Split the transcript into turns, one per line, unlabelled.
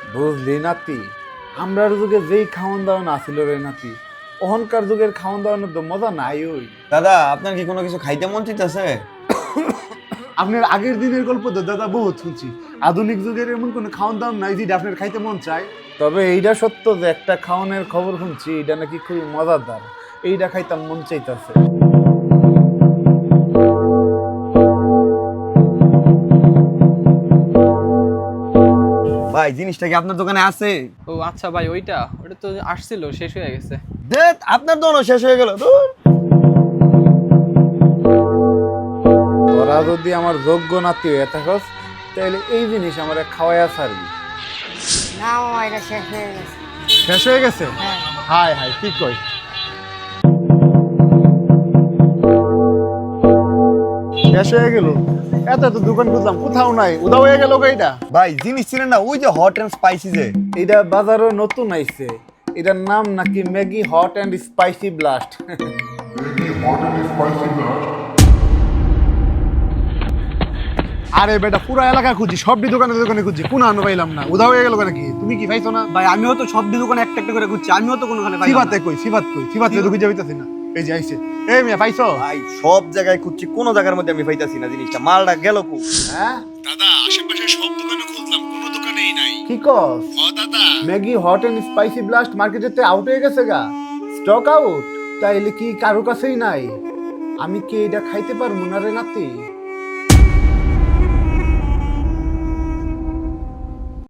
বুঝলি নাতি, আমরার যুগে যেই খাওয়ান দাওয়ান আছিল রে নাতি, অহংকার যুগের খাওয়ান দাওয়ানোর তো মজা নাই ওই।
দাদা আপনার কি কোনো কিছু খাইতে মন চাইতেছে?
আপনার আগের দিনের গল্প তো দাদা বহুত শুনছি, আধুনিক যুগের এমন কোনো খাওয়ান দাওয়ান নাই যেটা আপনার খাইতে মন চায়। তবে এইটা সত্য যে একটা খাওয়ানোর খবর শুনছি, এটা নাকি খুবই মজাদার, এইটা খাইতাম মন চাইতেছে।
ভাই জিনিসটা কি আপনার দোকানে আছে?
ও আচ্ছা ভাই, ওইটা তো আসছিল, শেষ হয়ে গেছে।
দেখ আপনার দোকানও শেষ হয়ে গেল। ধুর।
তোরা যদি আমার যোগ্য নাতি হয়ে থাকস, তাহলে এই জিনিস আমার খাওয়াইয়া ছাড়বি।
না মামা, এটা শেষ হয়ে গেছে।
শেষ হয়ে গেছে?
হ্যাঁ।
হাই হাই, কি কই? শেষ হয়ে গেল? এত এত দোকান খুঁজলাম, কোথাও নাই, উদাও হয়ে গেল এইটা।
ভাই জিনিস ছিলেন না, ওই যে হট এন্ড স্পাইসি যে।
এটা বাজারে নতুন আইছে, এটার নাম নাকি Maggi hot and spicy blast. আরে বেটা, পুরো এলাকা খুঁজি, সবটি দোকানে দোকানে খুঁজি, কোন আনো পাইলাম না, উদাও হয়ে গেল নাকি? তুমি কি পাইছো না?
ভাই আমিও তো সব দোকানে একটা একটা করে খুঁজছি, আমিও তো কোনোখানে পাই না।
সিবাতে কই, সিবাত কই, সিবাতে তো খুঁজে পাইতাছি না। এই যে আইছে, এই মিয়া পাইছো?
ভাই সব জায়গায় খুঁজছি, কোনো জায়গার মধ্যে আমি পাইতাছি না জিনিসটা। মালটা গেল কো?
হ্যাঁ
দাদা আশেপাশে সব দোকানে খুঁজলাম, কোনো দোকানেই নাই।
কি কস?
ও দাদা,
Maggi hot and spicy blast মার্কেটেতে আউট হয়ে গেছে গা, স্টক আউট। তাইলে কি কারো কাছেই নাই? আমি কি এটা খাইতে পারবো না রে নাতি?